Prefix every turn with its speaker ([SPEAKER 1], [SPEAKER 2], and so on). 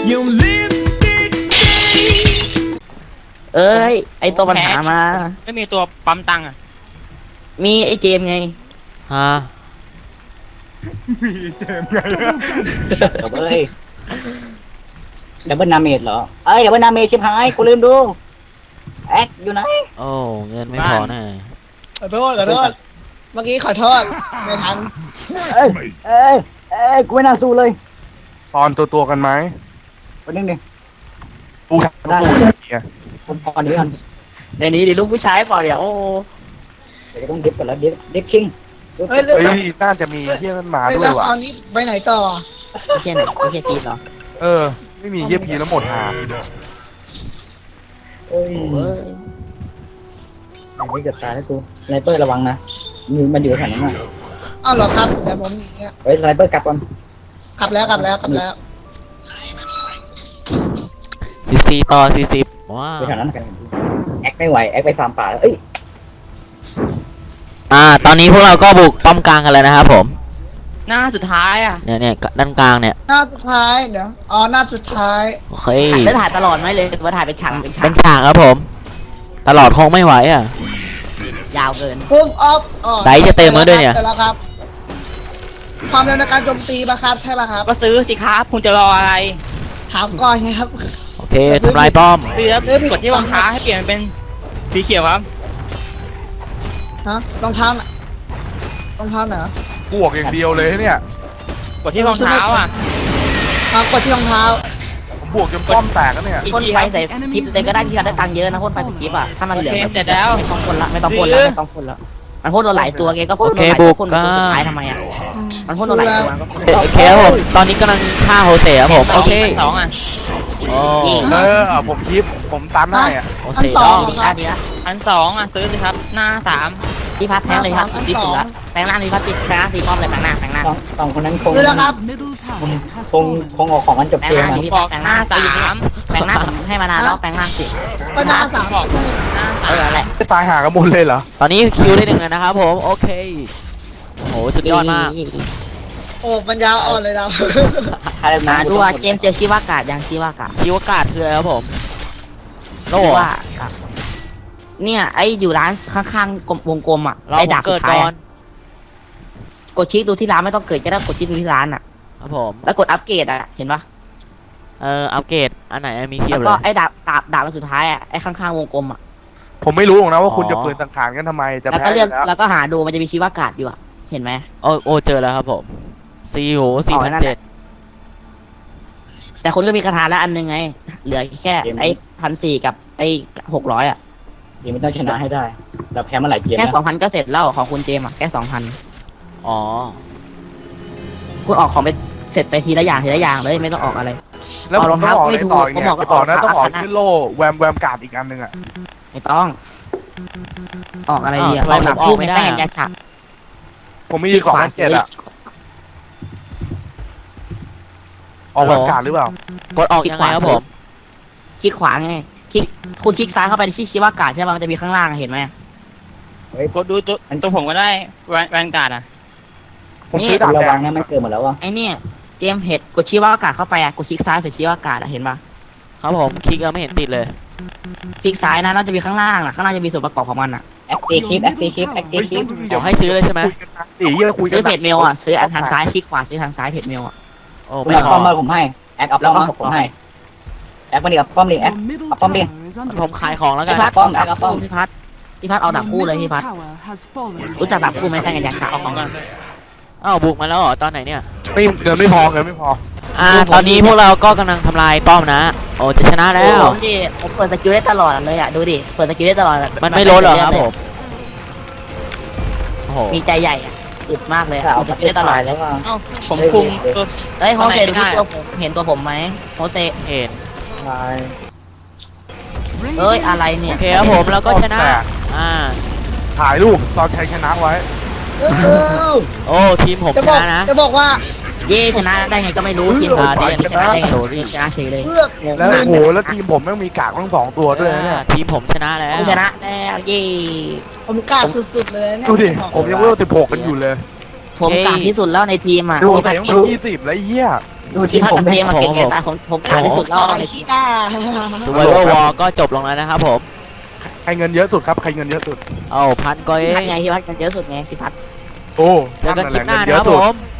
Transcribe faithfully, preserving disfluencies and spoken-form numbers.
[SPEAKER 1] Your lipstick stain
[SPEAKER 2] เอ้ยไอตัวปัญหามา
[SPEAKER 3] ไม่มีตัวปั๊มตังค์อ่ะ
[SPEAKER 2] มีไอเจมไง
[SPEAKER 4] ฮะ
[SPEAKER 5] ดับเบิลเลยดับเบิลนาเมดเหรอเอ้ยดับเบิลนาเมดชิบหายกูลืมดูแอคอยู่ไหน
[SPEAKER 4] โอ้เงินไม่พอแน่
[SPEAKER 6] ขอโทษขอโทษเมื่อกี้ขอโทษไม่ทัน
[SPEAKER 5] เอ้ยเอ้ยเอ้ยกูไม่น่าสู้เลย
[SPEAKER 7] ตอนตัวตัวกันไหม
[SPEAKER 5] วันนึงดิ
[SPEAKER 7] ปูทำตัวเนี่ย
[SPEAKER 5] ผมพอนี้กัน
[SPEAKER 2] ในนี้ดิลูกผู้ชายเปล่าเดี๋ยวโอ้
[SPEAKER 5] เดี๋ยวต้องดิฟกันแล้วดิฟดิฟคิง
[SPEAKER 6] เฮ้ย
[SPEAKER 7] เฮ้ยน่าจะมีเยี่ยมันมา
[SPEAKER 6] เฮ้ย
[SPEAKER 7] ด้ว
[SPEAKER 6] แล้
[SPEAKER 7] ยว ว่ะ
[SPEAKER 6] ตอนนี้ไปไหนต่อ
[SPEAKER 2] ไม่ใช่ไหนไม่ใช่จีนเหรอ
[SPEAKER 7] เออ ไม่มีเยี่ยพีแล้วหมดหา
[SPEAKER 5] เอ้ย
[SPEAKER 2] เอ้ย
[SPEAKER 5] ไม่เกือบตายแล้วกูสไนเปอร์ระวังนะมีมันอยู่แถวนั้นน่ะ
[SPEAKER 6] อ้าวเหรอครับเดี๋ยวผมหนีอะ
[SPEAKER 5] เฮ้ยสไนเปอร์กลับก่อน
[SPEAKER 6] กลับแล้วกลับแล้วกลับแล้ว
[SPEAKER 4] สิบสี่ต่อสี่สิบว้า
[SPEAKER 5] อยู่
[SPEAKER 4] ว
[SPEAKER 5] แถวนั้นกันแอคไม่ไหวแอคไปฟาร์มป่าแล้วเอ้ย
[SPEAKER 4] อ่าตอนนี้พวกเราก็บุกป้อมกลางกันแล้วนะครับผม
[SPEAKER 3] หน้าสุดท้ายอ่ะ
[SPEAKER 4] เนี่ยเนี่ยด้านกลางเนี่ย
[SPEAKER 6] หน้าสุดท้ายเดี๋ยวอ๋อหน้าสุดท้าย
[SPEAKER 4] โอเค
[SPEAKER 2] แล้วถ่ายตลอดไหมเลยว่าถ่ายเป็นฉากเป็นฉา
[SPEAKER 4] เป็
[SPEAKER 2] ก
[SPEAKER 4] นฉากครับผม ตลอดคงไม่ไหวอ่ะ
[SPEAKER 2] ยาวเกิน
[SPEAKER 6] พุ่มออฟอ๋อ
[SPEAKER 4] ไดจะเต็มแล้วด้วยเนี่ย
[SPEAKER 6] สร็จแล้วครับ ความเร็วในการโจมตีปะครับใช่ปะครับ
[SPEAKER 3] ก็ซื้อสิครับคุณจะรออะไร
[SPEAKER 6] ถามก่อนไงครับ
[SPEAKER 4] โอเคทำลายป้อม
[SPEAKER 3] ซื้อแล้วกดที่รองเท้าให้เปลี่ยนเป็นสีเขียวครับ
[SPEAKER 6] ฮะรองเท้าน่ะรองเท้าไหนวะ
[SPEAKER 7] บวกอย่างเดียวเลยเนี่ย
[SPEAKER 3] กดที่รองเท้าอ่ะ
[SPEAKER 6] ครับกดที่รองเท้า
[SPEAKER 7] ผมบวกจนป้อมแตกแล้วเนี่ย
[SPEAKER 2] พ่นไฟใส่คลิปเลยก็ได้พี่การได้ตังค์เยอะนะพ่นไฟใส่คลิปอ่ะถ้ามันเหลือ
[SPEAKER 3] โอเค
[SPEAKER 2] แบบ
[SPEAKER 3] เสร็จแล้ว
[SPEAKER 2] ไม่ต้องพ่นละไม่ต้องพ่นละไม่ต้องพ่นละมันพ่นเราหลายตัวไงก็พ่นเราหลายตัวพ่นตัวสุดท้ายทำไมอ่ะมันพ่นเราหลายตัวก็พ่น
[SPEAKER 4] โอเคครับผมตอนนี้กำลังฆ่าโฮเซ่ครับผมโอเค
[SPEAKER 3] สองอ่ะ
[SPEAKER 4] โอ้
[SPEAKER 7] เออผมคลิปผมตามได้อ่ะ
[SPEAKER 4] โฮ
[SPEAKER 6] อัน
[SPEAKER 4] เซ่
[SPEAKER 6] ส
[SPEAKER 4] ด
[SPEAKER 6] อ
[SPEAKER 4] อง ง
[SPEAKER 2] ดีละดีละ
[SPEAKER 3] อันสองอ่ะซื้อสิครับ หน้าสาม
[SPEAKER 2] พี่พัดแทงเลยครับดีสุดละแปลงร่างพี่พัดติดแปลงร่างตีป้อมเลยแปลงร่างแปลงร่าง
[SPEAKER 5] สองสองคนนั้นคง
[SPEAKER 6] ซื้อแล้วครับ
[SPEAKER 5] คงคงเอาของมันจบ
[SPEAKER 2] แปลง
[SPEAKER 5] เกม
[SPEAKER 2] ร่าง
[SPEAKER 5] อะ
[SPEAKER 2] ดิพี่
[SPEAKER 3] บอก
[SPEAKER 2] แปลง
[SPEAKER 3] ห
[SPEAKER 2] ร่า
[SPEAKER 3] น้าง สาม
[SPEAKER 2] แปลงร่างผมให้มานานแล้วแปลงร่างสิ
[SPEAKER 6] ก็หน้าสาม
[SPEAKER 3] บอกหน้า
[SPEAKER 2] เอ
[SPEAKER 3] สาม
[SPEAKER 2] อแหละ
[SPEAKER 7] จะตายหากันหมดเลยเหรอ
[SPEAKER 4] ตอนนี้คิวได้หนึ่งแล้วนะครับผมโอเคโหสุดยอดมาก
[SPEAKER 6] โอ้ปัญญาอ่อนเลยเรา
[SPEAKER 5] ใคร
[SPEAKER 2] มา
[SPEAKER 5] มา
[SPEAKER 2] ดูว่าเจมส์เจอชิวากาศยังชิวากาศ
[SPEAKER 4] ชีวกาศคืออะไรครับผมโล
[SPEAKER 2] ชิ
[SPEAKER 4] เหรอ
[SPEAKER 2] วากาศเนี่ยไออยู่ร้านข้างๆกลมวงกลมอ่ะ
[SPEAKER 4] เรา
[SPEAKER 2] ไอ
[SPEAKER 4] ผม
[SPEAKER 2] ดาบสุ
[SPEAKER 4] เกิด
[SPEAKER 2] ดท้าย
[SPEAKER 4] ก่อ
[SPEAKER 2] อะ
[SPEAKER 4] น
[SPEAKER 2] กดคลิกดูที่ร้านไม่ต้องเกิดก็ได้กดคลิกดูที่ร้านอ่ะ
[SPEAKER 4] ครับผม
[SPEAKER 2] แล้วกดอัปเกรดอ่ะเห็นปะ
[SPEAKER 4] เอ่ออัปเกรดอันไหนมีเพีย
[SPEAKER 2] แล้
[SPEAKER 4] บ
[SPEAKER 2] ว
[SPEAKER 4] เล
[SPEAKER 2] ก็
[SPEAKER 4] ย
[SPEAKER 2] ไอ้ดาบดาบดาบอันสุดท้ายอ่ะไอ้ข้างๆวงกลมอ่ะ
[SPEAKER 7] ผมไม่รู้หรอกนะว่าคุณ
[SPEAKER 4] อ๋อ
[SPEAKER 7] จะปืนสังขารกันทำไมจะ
[SPEAKER 2] แล้ว
[SPEAKER 7] แพ้
[SPEAKER 2] ก็
[SPEAKER 7] อ
[SPEAKER 2] เลือก
[SPEAKER 7] ยู่แล้ว
[SPEAKER 2] แล้วก็หาดูมันจะมีชีวากาศอยู่อ่ะเห็นไหม
[SPEAKER 4] โอ้โอ้เจอแล้วครับผมซีโหสี่
[SPEAKER 2] อ๋อ
[SPEAKER 4] พัน
[SPEAKER 2] นั่นแห
[SPEAKER 4] เจ็ด
[SPEAKER 2] ละ แต่คนก็มีคาถาแล้วอันหนึงไง เหลือแค่ไอ้พันสี่กับไอ้หกร้อยอ่ะ
[SPEAKER 5] เกมมันต้องชนะให้ได้เราแพ้มาหลายเกม
[SPEAKER 2] แค่
[SPEAKER 5] นะ
[SPEAKER 2] สองพันก็เสร็จแล้วของคุณเจมส์อ่ะแค่สองพัน
[SPEAKER 4] อ๋อ
[SPEAKER 2] คุณออกของไปเสร็จไปทีละอย่างทีละอย่างเลยไม่ต้องออกอะไร
[SPEAKER 7] แล้วผม
[SPEAKER 2] เอารอง
[SPEAKER 7] ต้อง
[SPEAKER 2] เท้า
[SPEAKER 7] ออก
[SPEAKER 2] ไม่
[SPEAKER 7] ใน
[SPEAKER 2] ถูก
[SPEAKER 7] ต่ออีก
[SPEAKER 2] ผม
[SPEAKER 7] เนี่
[SPEAKER 2] บอก
[SPEAKER 7] ยไปต่อนะ
[SPEAKER 2] ว่า
[SPEAKER 7] ต้องออก
[SPEAKER 2] ออก
[SPEAKER 7] ขึ้นโล่แวมแวมการ์ดอีกอันหนึ่งอ่ะ
[SPEAKER 2] ไม่ต้อง ออกอะไรดีอ่ะ
[SPEAKER 4] อ้าวทำไม
[SPEAKER 2] ออกดาบ
[SPEAKER 4] ผมออก
[SPEAKER 2] คู่
[SPEAKER 4] ไม่
[SPEAKER 2] ไม่
[SPEAKER 4] ได้
[SPEAKER 2] ได้
[SPEAKER 4] อะ
[SPEAKER 2] เห็นยาฉาก
[SPEAKER 7] ผมมีของพันเจ็ดอ่ะออกแวมการ์ดหรือเปล่าก
[SPEAKER 4] ดออกยังไงครับผม
[SPEAKER 2] คลิกขวาไงคลิกคุณคลิกซ้ายเข้าไปที่ชีวากาศใช่ป่ะมันจะมีข้างล่างอะเห็นไหม
[SPEAKER 3] กดดูตัวตัวผมก็ได้แวนแวนการ์ดอ่ะ
[SPEAKER 7] ผมซื้อดาบ
[SPEAKER 5] ระ
[SPEAKER 7] แด
[SPEAKER 5] วัง
[SPEAKER 7] ง
[SPEAKER 5] นะมันเกิดหมดแล้วอ่ะ
[SPEAKER 2] ไอเนี่ยเจมส์เห็ดกดชีวากาศเข้าไปอ่ะกดคลิกซ้ายใส่ชีวากาศอ่ะเห็นป่ะ
[SPEAKER 4] ครับผมคลิกแล้วไม่เห็นติดเลย
[SPEAKER 2] คลิกซ้ายนะแล้วจะมีข้างล่างอ่ะข้างล่างจะมีส่วนประกอบของมันอ่ะ
[SPEAKER 5] แอคตีคลิปแอคตีคลิปแอคตีคลิป
[SPEAKER 4] เดี๋ยวให้ซื้อเลยใช่ไหม
[SPEAKER 7] คุยกันนะสี่เยี่ยคุยกั
[SPEAKER 2] ซื้
[SPEAKER 7] น
[SPEAKER 2] อเพจเมลอ่ะซื้ออันทางซ้ายคลิกขวาซื้อทางซ้ายเพจเมลอ่ะ
[SPEAKER 4] โอ้
[SPEAKER 5] คุณ
[SPEAKER 4] ไม่
[SPEAKER 5] เอา
[SPEAKER 4] พ
[SPEAKER 5] ป้
[SPEAKER 4] อ
[SPEAKER 5] อมมาผมให้แอคเอาป้อมมาผมให้แอคมาดิกับป้อมดิแอคเอาป้อมดิ
[SPEAKER 4] ผมขายของแล้วกั
[SPEAKER 2] พี่
[SPEAKER 4] น
[SPEAKER 2] พัด
[SPEAKER 5] ป้อมแอคเอาป้อม
[SPEAKER 2] พี่พัดพี่พัดเอาดาบคู่เลยพี่พัดรู้จักดาบคู่ไหมแท่งกันยาฉาก
[SPEAKER 3] เอาของก่อน
[SPEAKER 4] อ้าวบุกมาแล้วเหรอตอนไหนเนี่ย
[SPEAKER 7] ไม่เงินไม่พอเงินไม่พอ
[SPEAKER 4] อ่าตอนนี้พวกเราก็กำลังทำลายป้อมนะ โอ้จะชนะแล้ว
[SPEAKER 2] ผมดิผมเปิดสกิลได้ตลอดเลยอ่ะดูดิเปิดสกิลได้ตลอดแบบ
[SPEAKER 4] มันไม่ลดเหรอครับผมโอ้โห
[SPEAKER 2] มีใจใหญ่อ่ะอึดมากเลย
[SPEAKER 5] เอา
[SPEAKER 2] เปิดส
[SPEAKER 5] ไป
[SPEAKER 2] กิลได้ตลอ
[SPEAKER 5] ตา
[SPEAKER 2] ด
[SPEAKER 5] ยแล้วว่า
[SPEAKER 3] เอ้าผมคุมตัว
[SPEAKER 2] เฮ้ยโฮเซดู
[SPEAKER 3] ไม่
[SPEAKER 2] ที่
[SPEAKER 3] ได้
[SPEAKER 2] ตัวผมเห็นตัวผมไหมโฮเซ
[SPEAKER 4] เห็น
[SPEAKER 5] ตาย
[SPEAKER 2] เอ้ยอะไรเนี่
[SPEAKER 4] โอย เคครับผมแล้วก็ชนะ อ่า
[SPEAKER 7] ถ่ายรูปตอนชัยชนะไว้
[SPEAKER 4] โอ้ทีมผม
[SPEAKER 6] จะ
[SPEAKER 4] ช
[SPEAKER 6] บอก
[SPEAKER 4] นะนะ
[SPEAKER 6] จะบอกว่า
[SPEAKER 2] เย่ชนะได้ไงก็ไม่รู้ทีมผม
[SPEAKER 4] อ่า
[SPEAKER 2] ชนะได้ไง
[SPEAKER 4] โด
[SPEAKER 2] ชนะเฉยเลย
[SPEAKER 6] เพื่อก
[SPEAKER 2] งง
[SPEAKER 7] แล้ว
[SPEAKER 2] มาก
[SPEAKER 7] โอ้โหแล้วทีมผมแม่งมีกากทั้งสองตัวด้วยนะเนี่ย
[SPEAKER 4] อ่าทีมผมชนะแล้ว
[SPEAKER 2] ผู้ชนะแล้วเย่
[SPEAKER 6] ผมกล้าสุดๆเลยเนี่ย
[SPEAKER 7] ดูดิ ผมยังเวลสิบหกกันอยู่เลย
[SPEAKER 2] ผมกลางที่สุดแล้วในทีมอ่ะ
[SPEAKER 7] ดู
[SPEAKER 2] พี่
[SPEAKER 7] แต่
[SPEAKER 2] พัด
[SPEAKER 7] ยัง
[SPEAKER 2] เก็
[SPEAKER 7] มี
[SPEAKER 2] บ
[SPEAKER 7] ยี่สิบแล้วไอ้เหี้ย
[SPEAKER 5] ดูที
[SPEAKER 2] ที่
[SPEAKER 5] ม
[SPEAKER 2] พัก
[SPEAKER 5] ผม
[SPEAKER 2] กับ
[SPEAKER 5] เนี่
[SPEAKER 2] เตี
[SPEAKER 5] ย
[SPEAKER 2] ยงมาเก่งไงตาผมผมขาดที่สุดแล้ว
[SPEAKER 6] ไอ้ขี้หน้า
[SPEAKER 4] สว i เวอร์วอลก็จบลงแล้วนะครับผม
[SPEAKER 7] ใครเงินเยอะสุดครับใครเงินเยอะสุด
[SPEAKER 4] เอาพันก็เอ
[SPEAKER 2] ที่พัก
[SPEAKER 4] ง
[SPEAKER 2] ไงที่พักกันเยอะสุดไงที่พัก
[SPEAKER 7] โอ้
[SPEAKER 4] เจอกันคลิปหน้า
[SPEAKER 7] เย
[SPEAKER 4] นะครับ
[SPEAKER 7] สุ
[SPEAKER 4] ผ
[SPEAKER 7] ด
[SPEAKER 4] ม